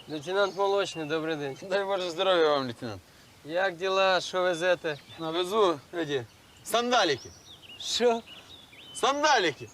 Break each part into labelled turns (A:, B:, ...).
A: Лейтенант Молочний, добрий день.
B: Дай Боже здоров'я вам, лейтенант.
A: Як діла, що везете?
B: Навезу эти сандалики.
A: Що?
B: Сандалики.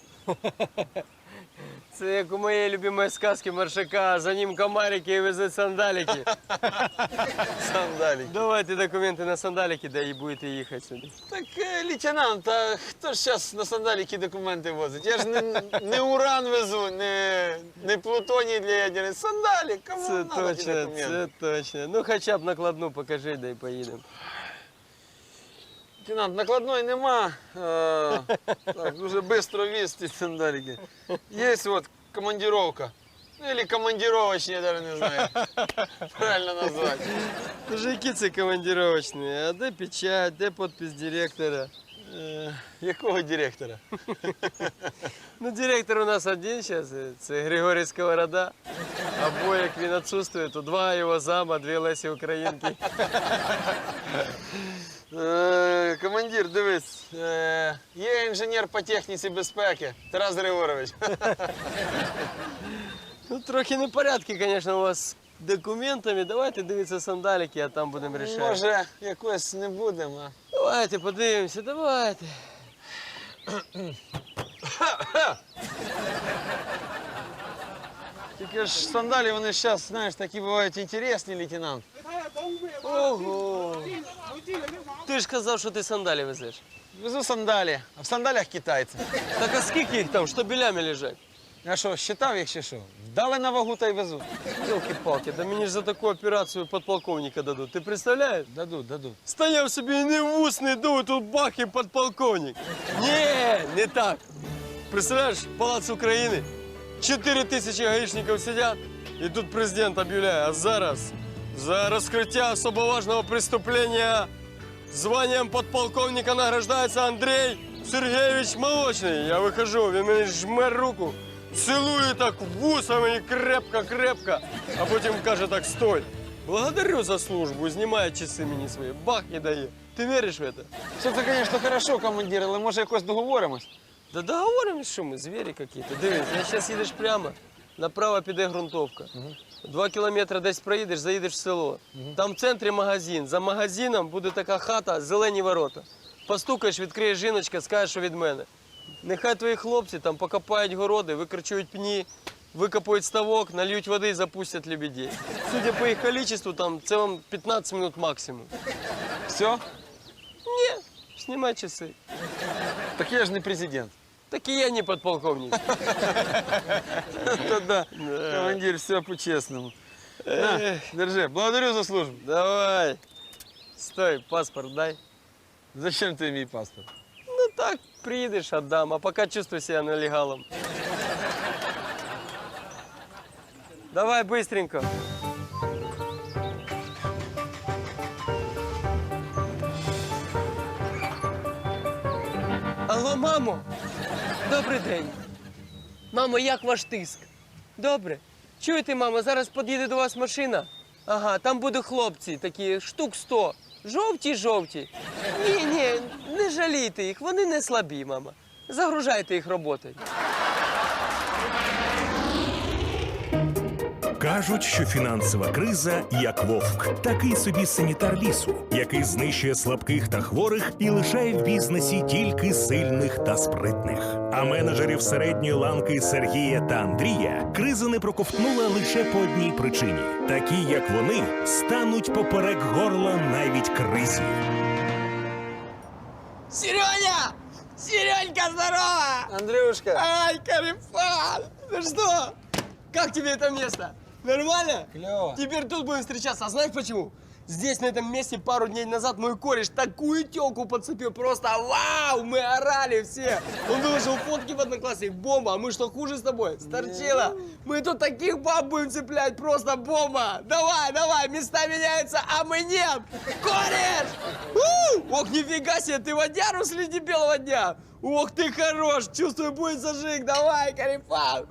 A: Це як у моєї любимої сказки Маршака, за ним комарики і везуть сандалики.
B: Сандалики.
A: Давайте документи на сандалики, да і будете їхати сюди.
B: Так, лейтенант, а хто ж зараз на сандалики документи возить? Я ж не уран везу, не плутоній для ядерних. Сандалі, кому
A: Це
B: надо ті
A: точно,
B: документи?
A: це точно. Ну хоча б накладну покажи, да і поїдемо.
B: Лейтенант, накладної нема. Так, дуже швидко віз ці сандалики. Є от командировка. Ну, или командировочні, я навіть не знаю. Правильно назвати.
A: Тож які це командировочні? А де печать, де підпис директора?
B: Якого директора?
A: Ну, директор у нас один зараз, це Григорій Сковорода. Або як він відсутствує, то два його зама, дві Лесі Українки.
B: Командир, дивись, є інженер по техніці безпеки Тарас Григорович.
A: Ну, трохи непорядки, звісно, у вас з документами. Давайте дивитися сандалики, а там будемо рішати.
B: Може, якось не будемо.
A: Давайте подивимося, давайте.
B: Тільки ж сандалі, вони зараз, знаєш, такі бувають інтересні, лейтенант.
A: Ого! Ти ж казав, що ти сандалі везеш.
B: Везу сандалі, а в сандалях китайці.
A: Так а скільки їх там, штабелями лежать?
B: Я що, считав їх чи що? Вдали на вагу та й везу.
A: Ёлки-палки, да мені ж за таку операцію подполковника дадуть. Ти представляєш?
B: Дадуть.
A: Стояв собі і не в ус, не дув, тут бах і подполковник. Ні, не так. Представляєш, Палац України, 4 тисячі гаїшників сидять, і тут президент об'являє, а зараз за розкриття особо важного преступлення званням подполковника награждається Андрій Сергійович Молочний. Я виходжу, він мені жме руку, цілує так вусами і крепко-крепко, а потім каже так, стой. Благодарю за службу, знімає часи мені свої, бах і дає. Ти віриш в це?
B: Все це, звісно, хорошо, командир, але може якось договоримось?
A: Да договоримось, що ми, звірі якісь. Дивись, я зараз їдеш прямо, направо піде ґрунтовка. 2 кілометри десь проїдеш, заїдеш в село. Там в центрі магазин. За магазином буде така хата, зелені ворота. Постукаєш, відкриє жіночка, скажеш, що від мене. Нехай твої хлопці там покопають городи, викорчують пні, викопають ставок, нальють води і запустять лебедей. Судя по їх кількості, там це вам 15 минут максимум.
B: Все?
A: Ні, знімай часи.
B: Так я ж не президент.
A: Так і я не подполковник.
B: Та да, командир, все по-чесному. На, держи, благодарю за службу.
A: Давай. Стой, паспорт дай.
B: Зачем ти мій паспорт?
A: Ну так, приедешь, отдам, а пока чувствуй себя нелегалом. Давай быстренько. Алло, мамо. Добрий день. Мамо, як ваш тиск? Добре. Чуєте, мамо, зараз під'їде до вас машина. Ага, там будуть хлопці такі, штук 100. Жовті. Ні, не жалійте їх, вони не слабі, мама. Загружайте їх роботою.
C: Кажуть, що фінансова криза як вовк, такий собі санітар лісу, який знищує слабких та хворих і лишає в бізнесі тільки сильних та спритних. А менеджерів середньої ланки Сергія та Андрія криза не проковтнула лише по одній причині: такі, як вони, стануть поперек горла навіть кризі.
A: Сереня! Серенька, здорово!
B: Андрюшка.
A: Ай, Карифан! Ну что? Как тебе это место? Нормально?
B: Клево.
A: Теперь тут будем встречаться. А знаешь почему? Здесь, на этом месте, пару дней назад мой кореш такую тёлку подцепил. Просто вау! Мы орали все. Он выложил фотки в Одноклассник. Бомба. А мы что, хуже с тобой? Сторчила. Мы тут таких баб будем цеплять. Просто бомба. Давай, места меняются, а мы нет. Кореш! Ох, нифига себе, ты водяру среди белого дня. Ох, ты хорош. Чувствую, будет зажиг. Давай, Карифан.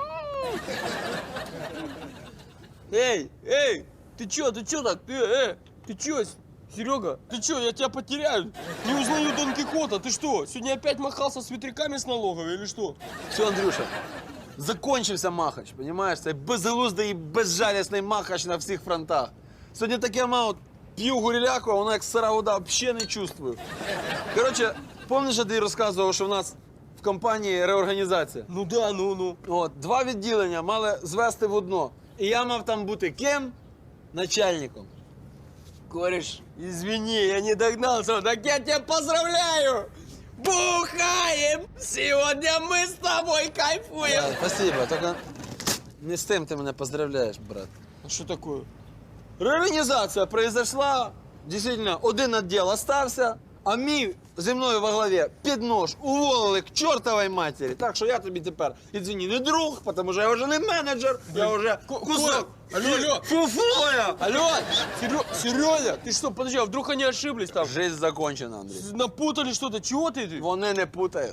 A: Эй, ты чё так? Ты чё, Серега? Ты чё, я тебя потеряю? Не узнаю Дон Кихота, ты что? Сегодня опять махался с ветряками с налоговой или что?
B: Все, Андрюша, Закончився Махач, розумієш? Це безглуздий і безжалісний Махач на всіх фронтах. Сьогодні таке мав, п'ю гуріляку, а воно як сира вода, взагалі не чувствую. Коротше, пам'ятаєш, я тобі розказував, що в нас в компанії реорганізація?
A: Ну да, ну.
B: От, 2 відділення мали звести в одно. І я мав там бути ким? Начальником.
A: Кореш, извини, я не догнался. Так я тебя поздравляю! Бухаем! Сегодня мы с тобой кайфуем!
B: Спасибо, тільки не з тим ти мене поздравляєш, брат.
A: А что такое?
B: Реорганізація произошла, дійсно, один відділ остався, а мій зі мною во главі під нож уволили к чортовій матері. Так що я тобі тепер, извини, не друг, тому що я вже не менеджер, я вже кусок.
A: Алло.
B: Фуфоя.
A: Алло! Серёза, ты что, подожди, а вдруг они ошиблись там?
B: Жизнь закончена, Андрій.
A: Напутали что-то? Чего ты?
B: Вони не путають.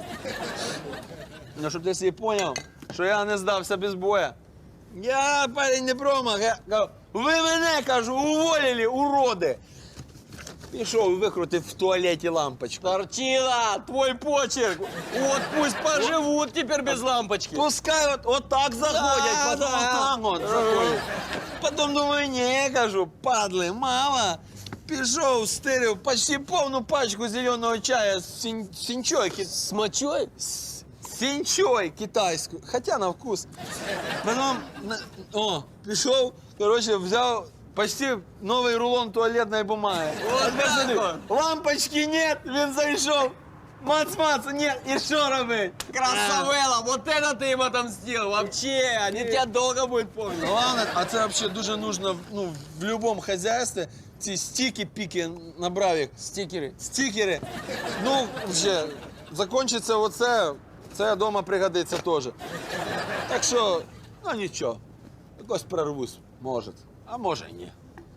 B: Ну, щоб ти собі поняв, що я не здався без боя. Я, парень, не промах. Я кажу, ви мене, кажу, уволили, уроди. Пішов, викрутив в туалеті лампочку.
A: Тортила, твой почерк! Вот пусть поживут теперь без лампочки.
B: Пускай от так заходять,
A: Да,
B: потім
A: да.
B: отак от заходять. Потім думаю, ні, кажу, падли, мало. Пішов, стирив почти повну пачку зеленого чая з сінчой.
A: С мочой?
B: Сінчой китайською, хоча на вкус. Потім, пішов, коротше, взяв почти новий рулон туалетної бумаги.
A: Вот
B: Пацани,
A: так
B: лампочки нет, він зайшов. Мац-мац, нет, і що робить?
A: Красавелла, вот это ты им отомстил! Вообще, они тебя долго будут помнить.
B: Главное, а це взагалі дуже нужно в будь-якому хазяйстві. Ці стіки-піки набрав їх.
A: Стикеры.
B: Стікери. Ну, вже, закінчиться оце, це вдома пригодиться теж. Так що, ну нічого, якось прорвусь, може. А може і ні.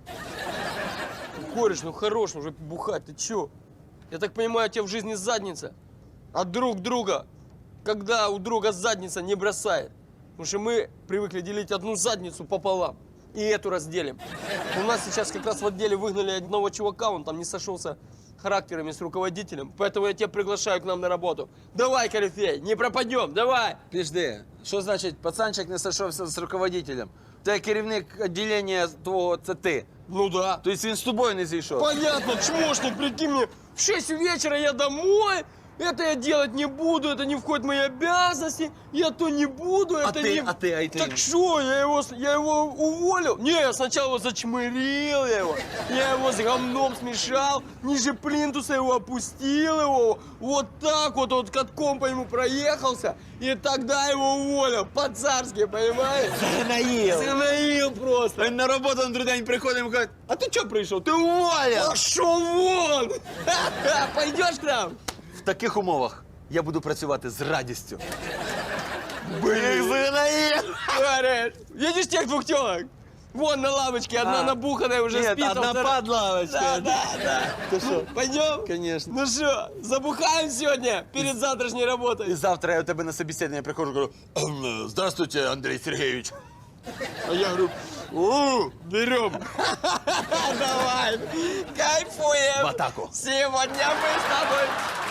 A: Кореш, ну хорош уже бухать, ты чё? Я так понимаю, у тебя в жизни задница. А друг друга, когда у друга задница не бросает. Потому что мы привыкли делить одну задницу пополам. И эту разделим. У нас сейчас как раз в отделе выгнали одного чувака, он там не сошелся характерами с руководителем. Поэтому я тебя приглашаю к нам на работу. Давай, корифей, не пропадем, давай.
B: Пішди, що значить пацанчик не сошовся з руководителем? Те керівник відділення твого, це ти.
A: Ну да.
B: Тобто він з тобою не зійшов?
A: Понятно, чмошник, прикинь мне, в 6 вечера я домой, это я делать не буду, это не входит в мои обязанности, я то не буду, это не...
B: А ты?
A: Так что, я его уволил? Не, я сначала его зачмырил, я его с говном смешал, ниже плинтуса его опустил, его вот так вот катком по нему проехался, и тогда его уволил, по-царски, понимаешь?
B: Загнаїв.
A: Загноил просто.
B: Він на роботу на другий день приходить і каже, а ти чого прийшов? Ти уволен!
A: Пошел вон! Пойдешь к нам?
B: В таких умовах я буду працювати з радістю. Блін, загнаїв!
A: Говорят, видишь тех двух телок? Вон на лавочке, одна набуханная уже
B: Нет,
A: спит. а
B: одна
A: вторая-
B: под лавочкой.
A: Да.
B: Ты что?
A: Пойдем?
B: Конечно.
A: Ну что, забухаем сегодня перед завтрашней
B: І
A: работой?
B: завтра я у тебе на собеседування приходжу, говорю, здравствуйте, Андрей Сергеевич.
A: А я говорю, берем. Давай, кайфуем.
B: В атаку.
A: Сегодня мы с тобой...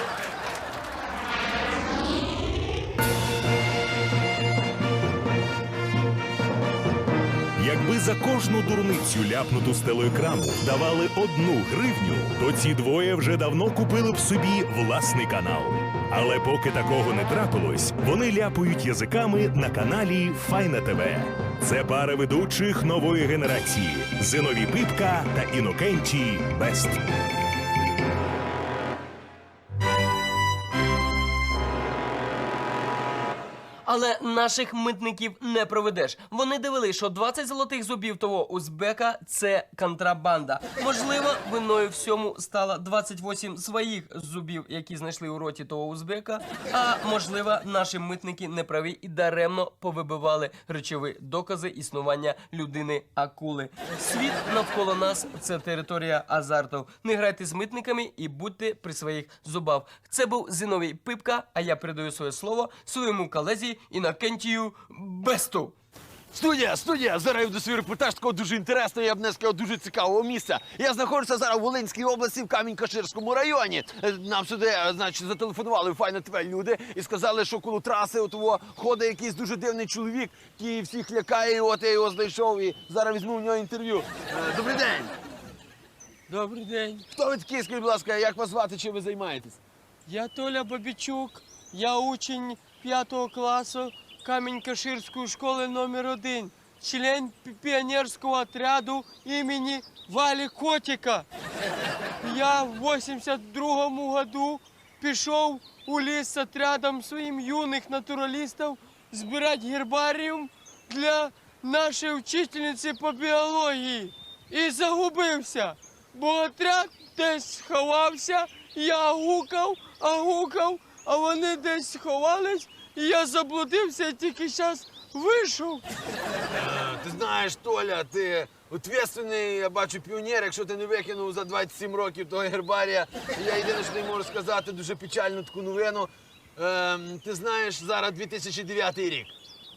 C: Якби за кожну дурницю ляпнуту з телеекрану давали 1 гривню, то ці двоє вже давно купили б собі власний канал. Але поки такого не трапилось, вони ляпають язиками на каналі Файна ТВ. Це пара ведучих нової генерації – Зиновій Пипка та Інокентій Бест.
A: Але наших митників не проведеш. Вони довели, що 20 золотих зубів того узбека – це контрабанда. Можливо, виною всьому стало 28 своїх зубів, які знайшли у роті того узбека. А можливо, наші митники неправі і даремно повибивали речові докази існування людини-акули. Світ навколо нас – це територія азарту. Не грайте з митниками і будьте при своїх зубах. Це був Зиновій Пипка, а я передаю своє слово своєму колезі Інокентію Бесту.
D: Студія! Зараз я веду свій репортаж такого дуже інтересного, я б не сказав, дуже цікавого місця. Я знаходжуся зараз в Волинській області, в Камінь-Каширському районі. Нам сюди, значить, зателефонували в Файна ТВ люди і сказали, що коло траси отого ходить якийсь дуже дивний чоловік, який всіх лякає, і от я його знайшов і зараз візьму в нього інтерв'ю. Добрий день!
A: Добрий день.
D: Хто ви такий, скажіть, будь ласка, як вас звати, чим ви займаєтесь?
A: Я Толя Бабічук. Я учень 5 класу Камінь-Каширської школи номер 1. Член пионерского отряду имени Вали Котика. Я в 82-му году пішов у ліс з отрядом своїм юних натуралістів збирати гербаріум для нашої вчительниці по біології. І загубився, бо отряд десь сховався, я гукав, а вони десь сховались, і я заблудився і тільки зараз вийшов.
D: Ти знаєш, Толя, ти ответственний, я бачу, піонер, якщо ти не викинув за 27 років того гербарія. Я єдине, що тобі можу сказати, дуже печальну таку новину. Ти знаєш, зараз 2009 рік.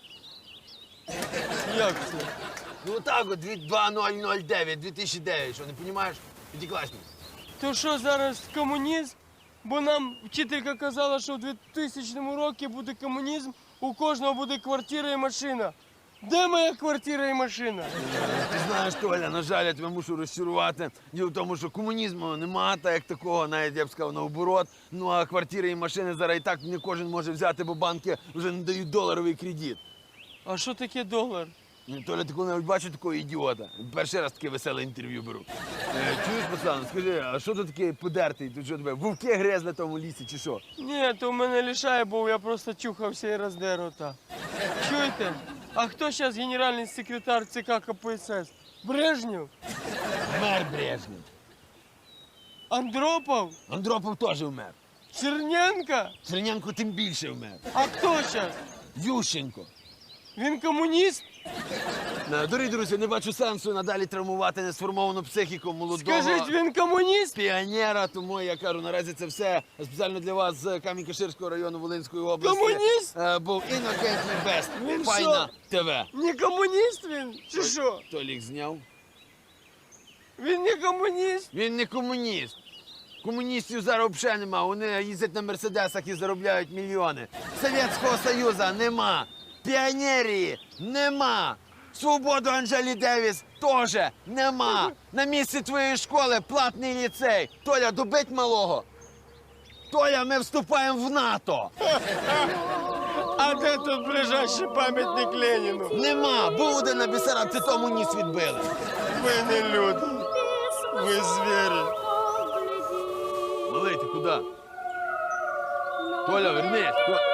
A: Як це?
D: Ну так от, 2009, 2009, що, не розумієш? П'ятикласник.
A: То що зараз комунізм? Бо нам вчителька казала, що в 2000 році буде комунізм, у кожного буде квартира і машина. Де моя квартира і машина?
D: Ти знаєш, Толя, на жаль, я тебе мушу розчарувати. Діло в тому, що комунізму нема, так як такого, навіть я б сказав, наоборот. Ну а квартири і машини зараз і так не кожен може взяти, бо банки вже не дають доларовий кредит.
A: А що таке долар?
D: Ну, Толя, ти коли-небудь бачив такого ідіота? Перший раз таке веселе інтерв'ю беру. Чуєш, пацан, скажи, а що тут таке подертий? Тут що тебе, вовки гризли в тому лісі, чи що?
A: Ні, то в мене лишає був, я просто чухався і роздер рота. Чуєте? А хто зараз генеральний секретар ЦК КПСС? Брежнєв?
D: Вмер Брежнєв.
A: Андропов?
D: Андропов теж вмер.
A: Черненко?
D: Черненко тим більше вмер.
A: А хто зараз?
D: Ющенко.
A: Він комуніст?
D: Дорогі друзі, не бачу сенсу надалі травмувати несформовану психіку молодого
A: Скажіть, він комуніст?
D: піонера, тому я кажу, наразі це все спеціально для вас з Камінь-Каширського району Волинської області.
A: Комуніст?
D: Був Інокентій Бест,
A: Він
D: Файна ТВ.
A: Не комуніст він? Чи що?
D: Толік зняв.
A: Він не комуніст?
D: Він не комуніст. Комуністів зараз взагалі нема. Вони їздять на мерседесах і заробляють мільйони. Совєтського Союзу нема. Піонерії нема. Свободу Анжелі Девіс теж нема. На місці твоєї школи платний ліцей. Толя, добить малого. Толя, ми вступаємо в НАТО.
A: А де тут ближайший пам'ятник Леніну?
D: Нема. Був один на Бісарабці, тому ніс відбили.
A: Ви не люди. Ви звірі.
D: Малий, ти куди? Толя, вернись.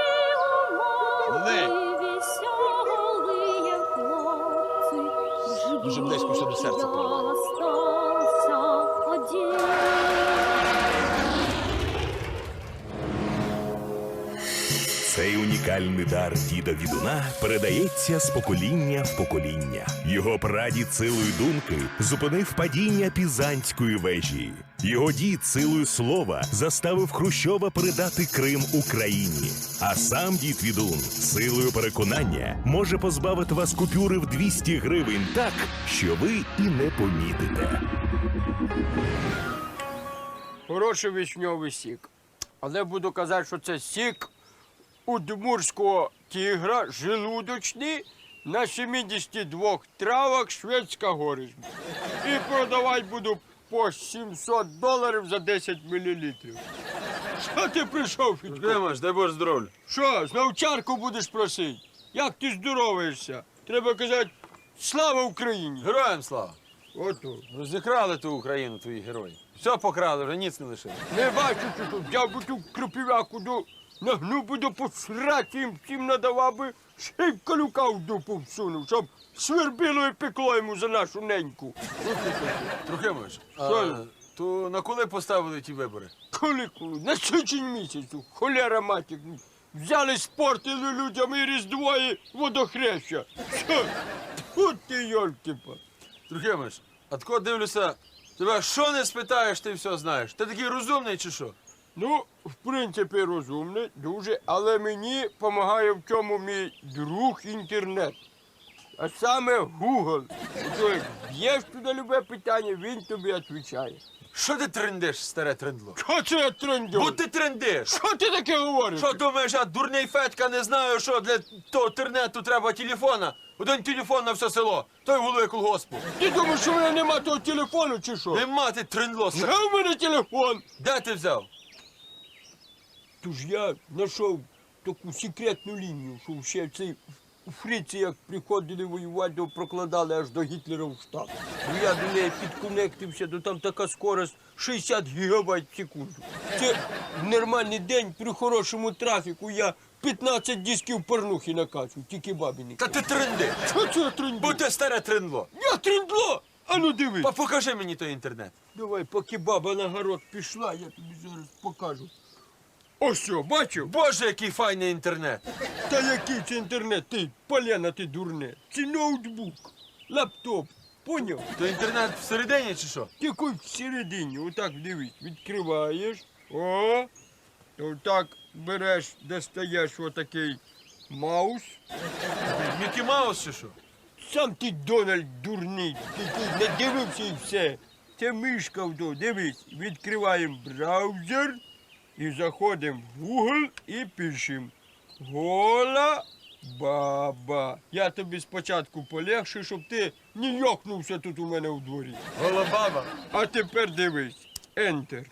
D: Малий. Дуже близько все до серця.
C: Цей унікальний дар діда Відуна передається з покоління в покоління. Його прадід силою думки зупинив падіння Пізанської вежі. Його дід силою слова заставив Хрущова передати Крим Україні. А сам дід Відун силою переконання може позбавити вас купюри в 200 гривень так, що ви і не помітите.
A: Хороший вишньовий сік. Але буду казати, що це сік удмуртського тигра, желудочний, на 72 травах шведська горизма. І продавати буду по $700 за 10 мл. Що ти прийшов, Федько?
B: Димаш, дай Боже здоров'я.
A: Що, знову чарку будеш просити? Як ти здороваєшся? Треба казати, слава Україні!
B: Героям слава.
A: Ото.
B: Розікрали ту Україну, твої герої. Все покрали, вже ніц не лишили.
A: Не бачу, що тут. Я би ту кропівяку нагнув би до посрати їм всім надавав би, ще й калюка в дупу всунув, щоб свербіло і пекло йому за нашу неньку.
B: Трохимович,
A: Що?
B: то на коли поставили ті вибори?
A: Коли? На січень місяцю, холера матір. Взяли, спортили людям і Різдво, і водохреща. Що? От ти, йолки-па.
B: Трохимович, а тако дивлюся, тебе що не спитаєш, ти все знаєш. Ти такий розумний чи що?
A: Ну, в принципі, розумний, дуже, але мені допомагає в цьому мій друг інтернет. а саме Google. Ото як б'єш туди любе питання, він тобі відповідає.
D: Що ти трендиш, старе трендло?
A: Що це я трендю?
D: Бо ти трендиш.
A: Що ти таке говориш?
D: Що думаєш, я дурний Федька не знаю, що для того інтернету треба телефона? Один телефон на все село, той голови колгоспу.
A: Ти думаєш, що в мене нема того телефону чи що?
D: Нема ти трендло.
A: Де в мене телефон?
D: Де ти взяв?
A: Тож я знайшов таку секретну лінію, що ще цей у Фриці, як приходили воювати, то прокладали аж до Гітлера в штаб. Ну я до неї підконектився, то там така скорость 60 гігабайт в секунду. Це в нормальний день при хорошому трафіку я 15 дисків порнухи накачу, тільки бабі не
D: Та ти тренди.
A: Що це я тренду?
D: Бо ти старе трендло.
A: Я трендло! А ну дивись.
D: Покажи мені той інтернет.
A: Давай, поки баба на город пішла, я тобі зараз покажу. Ось що, бачив?
D: Боже, який файний інтернет.
A: Та який це інтернет? Ти, Поляна, ти дурне. Це ноутбук, лаптоп. Поняв?
D: То інтернет всередині чи що?
A: Тільки всередині, отак дивись, відкриваєш. О, отак береш, достаєш отакий маус.
D: Мікі Маус чи що?
A: Сам ти, Дональд, дурний, ти не дивився і все. Це мишка вдо, дивись, відкриваємо браузер і заходимо в Google і пишемо «Гола баба». Я тобі спочатку полегшу, щоб ти не йокнувся тут у мене у дворі.
D: Голобаба.
A: А тепер дивись. Enter.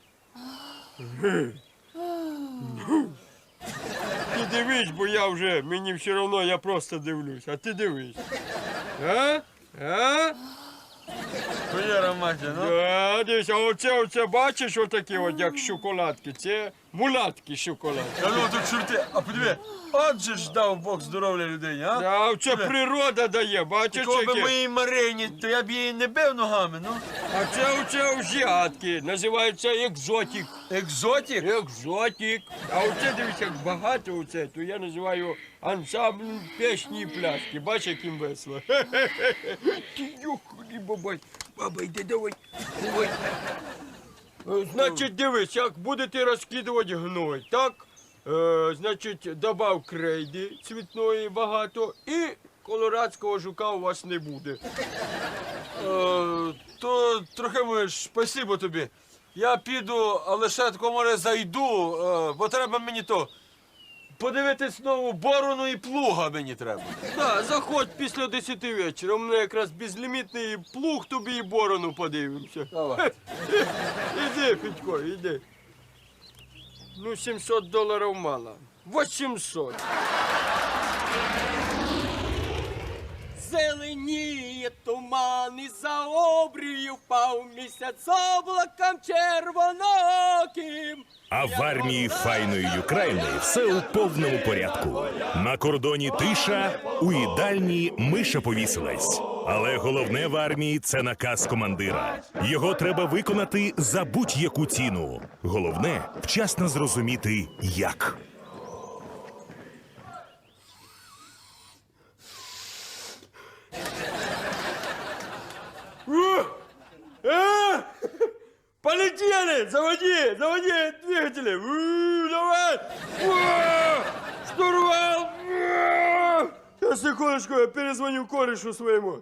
A: Ти дивись, бо я вже, мені все одно, я просто дивлюсь. А ти дивись. А? А?
D: Хуєра матя, ну.
A: Да, дивись, а оце бачиш отакі от, як шоколадки. Це мулатки шоколадки.
D: А ну тут чорти, а подиви, от же ж дав Бог здоров'я людині, а?
A: Да, це природа дає, бачиш,
D: Коли би
A: яке?
D: моїй Марині, то я б її не бив ногами, ну.
A: А це азіатки, називається екзотик.
D: Екзотик?
A: Екзотик. А оце, дивись, як багато оце, то я називаю ансамбль пісні і пляски. Бач, яким весело. Ти йоханий бабай. Баба, йди, давай. Давай. Значить, дивись, як будете розкидувати гной, так? Значить, добав крейди цвітної багато і колорадського жука у вас не буде.
D: То трохи можеш, спасибо тобі. Я піду, але ще тако, може, зайду, бо треба мені то подивитись знову борону і плуга мені треба.
A: Так, заходь після 10 вечора. У мене якраз безлімітний плуг, тобі і борону подивимося.
D: Давай.
A: Іди, Федько, іди. Ну, $700 мало. 800. Зеленіє туман, і за обрію впав місяць облаком червоноким.
C: А в армії файної України все у повному порядку. На кордоні тиша, у їдальні миша повісилась. Але головне в армії це наказ командира. Його треба виконати за будь-яку ціну. Головне вчасно зрозуміти, як.
A: Полетели! Заводи! Заводи двигатели! Давай! Штурвал! Сейчас, секундочку, я перезвоню корешу своему.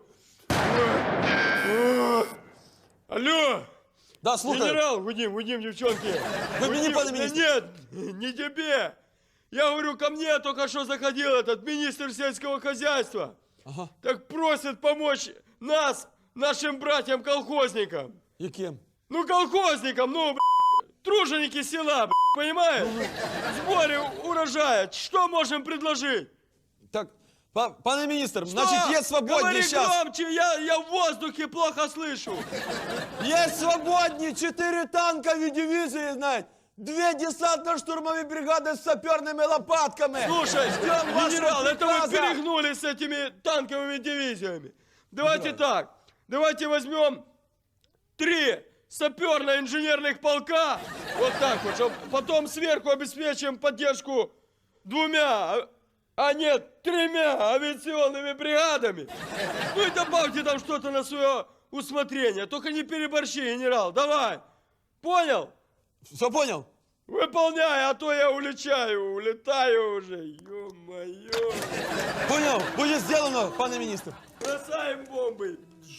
A: Алло!
E: Да, слухай.
A: Генерал, Вадим, девчонки.
E: Вы мне,
A: Вадим,
E: пане
A: да
E: министр.
A: нет, не тебе. Я говорю, ко мне только что заходил этот министр сельского хозяйства.
E: Ага.
A: Так просит помочь нас, нашим братьям-колхозникам.
E: Яким?
A: Ну, колхозникам, ну, труженики села, понимаешь? В сборе урожая. Что можем предложить?
E: Так, пане міністр, значить, є свободні
A: Говори
E: зараз.
A: громче, я в воздухе плохо слышу.
E: Є свободні 4 танкові дивізії, знаєте. 2 десантно-штурмові бригади з саперними лопатками.
A: Слушай,
E: Ждем вашего
A: генерал, это вы
E: приказа.
A: перегнули с этими танковыми дивизиями. Давайте так, давайте возьмем 3 саперно-инженерных полка, вот так вот, чтоб потом сверху обеспечим поддержку 2, а нет, 3 авиационными бригадами. Ну и добавьте там что-то на свое усмотрение, только не переборщи, генерал, давай. Понял?
E: Все понял?
A: Выполняй, а то я улетаю уже, ё-моё.
E: Понял, буде зроблено, пане міністр.
A: Бросаем бомбы.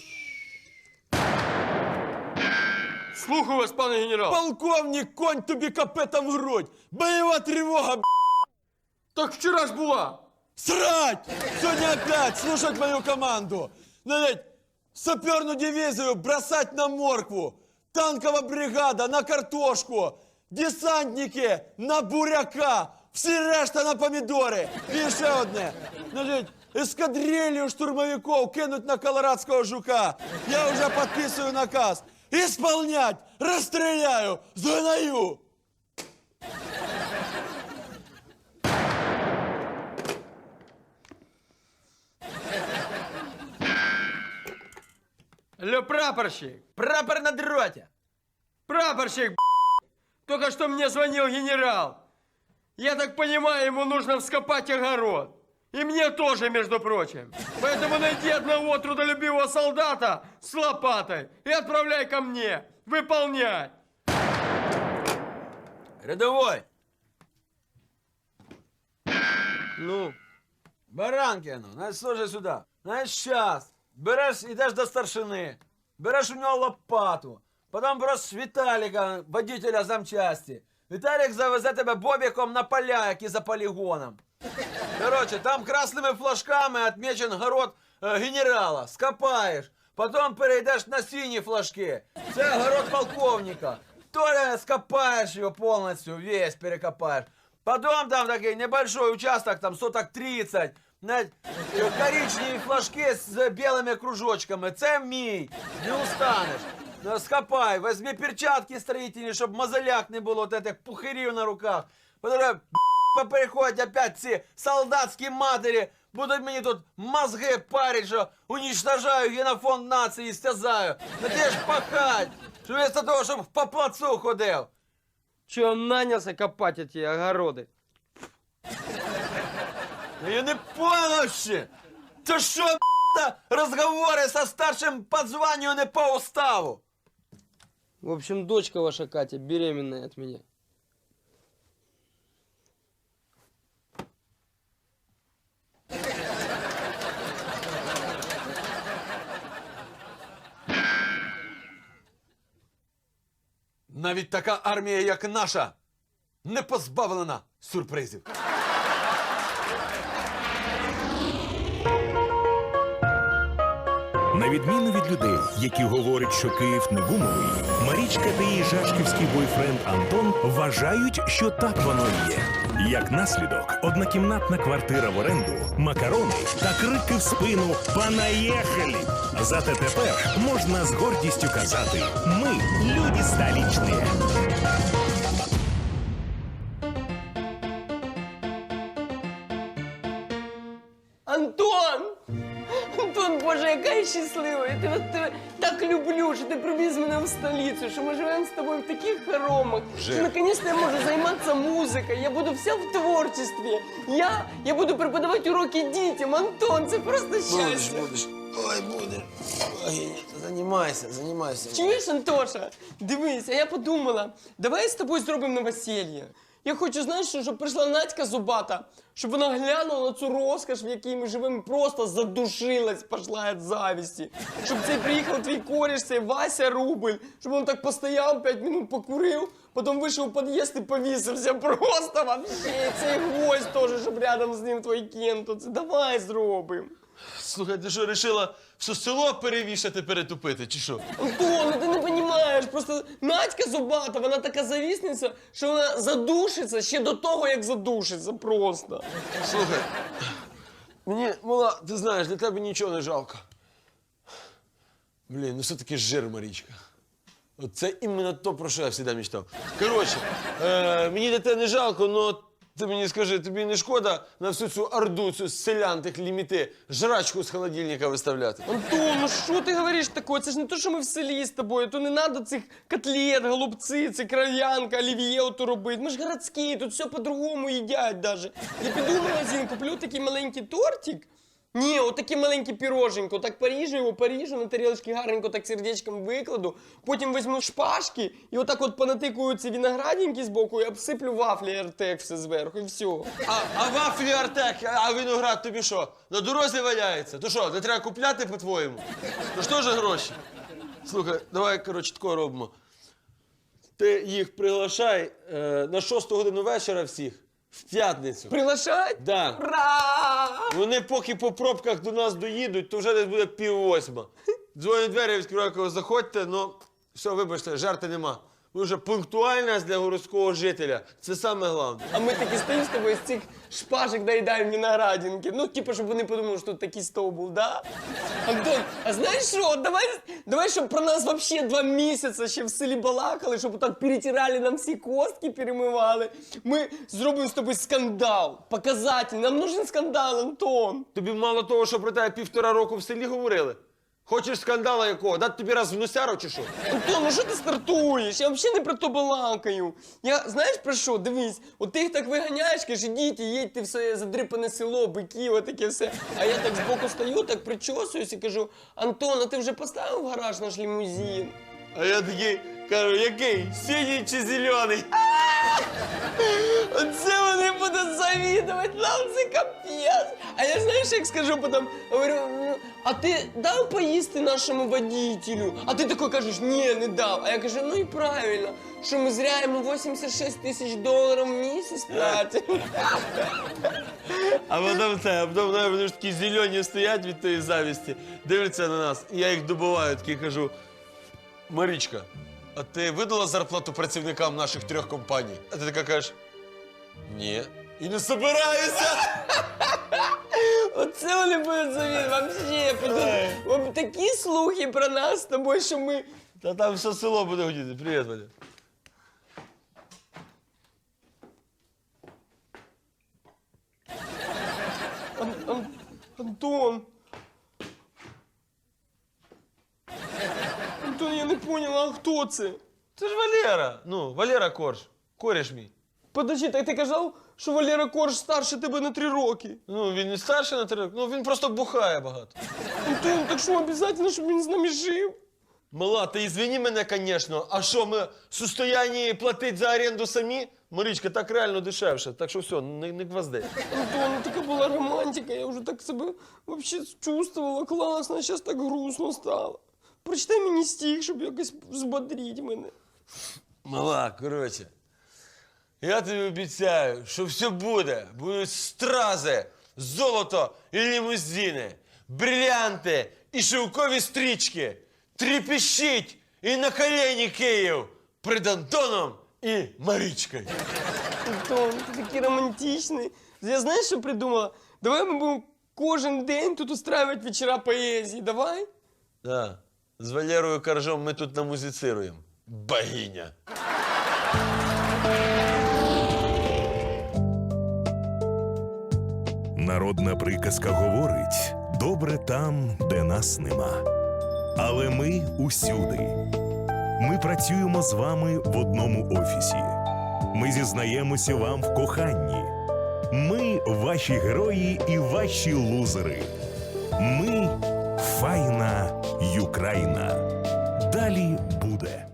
A: Слухаю вас, пане генерал.
E: Полковник, конь тобі капетом в грудь! Бойова тривога,
A: Так вчора ж була.
E: срать! Сегодня опять слушать мою команду. Надеть саперную дивизию бросать на моркву. Танковая бригада на картошку. Десантники на буряка. Всі решта на помідори. І ще одне. Значить, ескадрилью штурмовиков кинуть на колорадського жука. Я вже підписую наказ. Исполнять! Розстріляю! Згнаю!
A: Алло, прапорщик.
D: Прапор на дроте.
A: Прапорщик, только что мне звонил генерал. Я так понимаю, ему нужно вскопать огород. И мне тоже, между прочим. Поэтому найди одного трудолюбивого солдата с лопатой и отправляй ко мне. Выполнять.
D: Рядовой.
A: Ну,
D: Баранкину, значить, служи сюди. Значить, щас. Береш, йдеш до старшини. Береш у нього лопату. Потім береш Віталіка, водителя замчасті. Віталік завезе тебе бобіком на поля, які за полігоном. Короче, там красними флажками отмечен город генерала. Скопаєш. Потім перейдеш на сині флажки. Це город полковника. Толя скопаєш його повністю, весь перекопаєш. Потом там такой небольшой участок, там соток 30. Коричневі флажки з білими кружочками. Це мій. Не устанеш. Скопай, возьми перчатки строительні, щоб мозоляк не було, от этих пухирів на руках. Потім попереходять опять ці солдатські матері, будуть мені тут мозги парить, що уничтожаю генофонд нації, стязаю. На те ж пахать, що вместо того, щоб по плацу ходив.
A: что нанялся копать эти огороды?
D: Я не понял ще. Це що, розговори со старшим по званню не по уставу?
A: В общем, дочка ваша Катя беременная от меня.
D: Навіть така армія, як наша, не позбавлена сюрпризів.
C: На відміну від людей, які говорять, що Київ не гумовий, Марічка та її жашківський бойфренд Антон вважають, що так воно і є. Як наслідок, однокімнатна квартира в оренду, макарони та крики в спину «Понаїхали!». Зате тепер можна з гордістю казати «Ми – люди столичні».
F: Антон! Антон, Боже, яка я щаслива! Я тебе так люблю, що ти привіз мене в столицю, що ми живемо з тобою в таких хоромах, що наконец-то я можу займатися музикою, я буду вся в творчестві. Я буду преподавати уроки дітям. Антон, це просто щастя.
D: Будеш. Ой, будеш. Ой, займайся.
F: Чуєш, Антоша? Дивись, а я подумала, давай з тобою зробимо новоселье. Я хочу, знаєш, щоб прийшла Надька Зубата, щоб вона глянула на цю розкош, в якій ми живемо, і просто задушилась, пошла від завісті. Щоб цей приїхав твій кореш, цей Вася Рубль, щоб він так постояв, 5 минут покурив, потім вийшов у під'їзд і повісився. Просто вообще. Цей гвоздь теж, щоб рядом з ним твій кент. Це давай зробимо.
E: Слухай, ти що, рішила все село перевішати, перетупити, чи що?
F: Антон, ну ти не розумієш, просто Надька Зубата, вона така завісниця, що вона задушиться ще до того, як задушиться просто.
D: Слухай, мені, мала, ти знаєш, для тебе нічого не жалко. Блін, ну все-таки жир, Марічка. От це іменно то, про що я завжди мечтав. Коротше, мені для тебе не жалко, но ти мені скажи, тобі не шкода на всю цю орду, цю селян, тих ліміти, жрачку з холодильника виставляти?
F: Антон, ну що ти говориш таке? Це ж не то, що ми в селі з тобою. То не треба цих котлет, голубці, це кров'янка, олів'є ото робити. Ми ж городські, тут все по-другому їдять даже. Я піду в магазин, куплю такий маленький тортик, Ні, отаке маленьке піроженько, так поріжу, на тарілочки гарненько так сердечком викладу, потім візьму шпажки і отак от понатикую ці виноградинки збоку і обсиплю вафлі Артек все зверху і все.
E: А вафлі Артек, а виноград тобі що? На дорозі валяється? То що, не треба купляти, по-твоєму? То ж теж гроші. Слухай, давай, коротше, тако робимо. Ти їх приглашай на 6 годину вечора всіх, в п'ятницю.
F: Приглашать?
E: Да.
F: Ура!
E: Вони поки по пробках до нас доїдуть, то вже десь буде 7:30. Дзвонять двері, відкриваю, кажу, заходьте, ну, все, вибачте, жарти нема. Ви вже пунктуальність для городського жителя. Це саме головне.
F: А ми таки стоїмо з тобою з цих шпажок доїдаємо виноградинки. Ну, типу, щоб вони подумали, що тут такий стол був, да? Антон, а знаєш що, давай, щоб про нас вообще 2 місяці ще в селі балакали, щоб так перетирали нам всі костки, перемивали. Ми зробимо з тобою скандал, показательний. Нам нужен скандал, Антон.
E: Тобі мало того, що про тебе 1,5 року в селі говорили? Хочеш скандала якого? Дати тобі раз в носяру чи що?
F: Антон, ну що ти стартуєш? Я взагалі не про то балакаю. Я, знаєш про що? Дивись, от ти їх так виганяєш, кажеш, ідіть, їдьте в своє задрипане село, бики, отаке все. А я так збоку стою, так причосуюсь і кажу, Антон, а ти вже поставив в гараж наш лімузин?
E: А я такий кажу, який? Синій чи зелений?
F: Оце вони будуть завідувати, нам це капець. А я знаєш, як скажу потім, говорю, «Ну, а ти дав поїсти нашому водителю? А ти такий кажеш, ні, не дав. А я кажу, ну і правильно, що ми зря йому $86 000 в місяць платимо.
E: А потім вони ж такі зелені стоять від тої завісті, дивляться на нас, і я їх добиваю, такий кажу, Марічка, а ти видала зарплату працівникам наших 3 компаній? А ти така кажеш, ні. І не собираюся.
F: Оце вони будуть завідувати, вообще, підуть такі слухи про нас з тобою, що ми...
E: Та там все село буде гудіти. Привіт, Валя.
F: Антон. Антон, я не поняла, а хто це?
E: Це ж Валера. Ну, Валера Корж. Кореш мій.
F: Подожди, так ти казав, що Валера Корж старше тебе на 3 роки.
E: Ну, він не старший на 3 роки, ну він просто бухає багато.
F: Антон, так що обов'язково, щоб він з нами жив?
E: Мала, ти извини мене, звісно. А що, ми в состоянні платити за оренду самі? Марічка, так реально дешевше. Так що все, не гвозди.
F: Антон, ну така була романтика, я вже так себе вообще чувствувала класно, а зараз так грустно стало. Прочитай мені стих, щоб якось взбодрити мене.
E: Мала, коротше, я тобі обіцяю, що все буде. Будуть стрази, золото і лімузини, брилянти і шовкові стрічки. Трепещіть і на колені Київ перед Антоном і Марічкою.
F: Антон, ти такий романтичний. Я знаєш, що придумала? Давай ми будемо кожен день тут устраивати вечора поезії, давай?
E: Да. З Валерою Коржом ми тут намузицируємо. Богиня.
C: Народна приказка говорить: добре там, де нас нема. Але ми усюди. Ми працюємо з вами в одному офісі. Ми зізнаємося вам в коханні. Ми ваші герої і ваші лузери. Ми файна Юкраїна. Далі буде.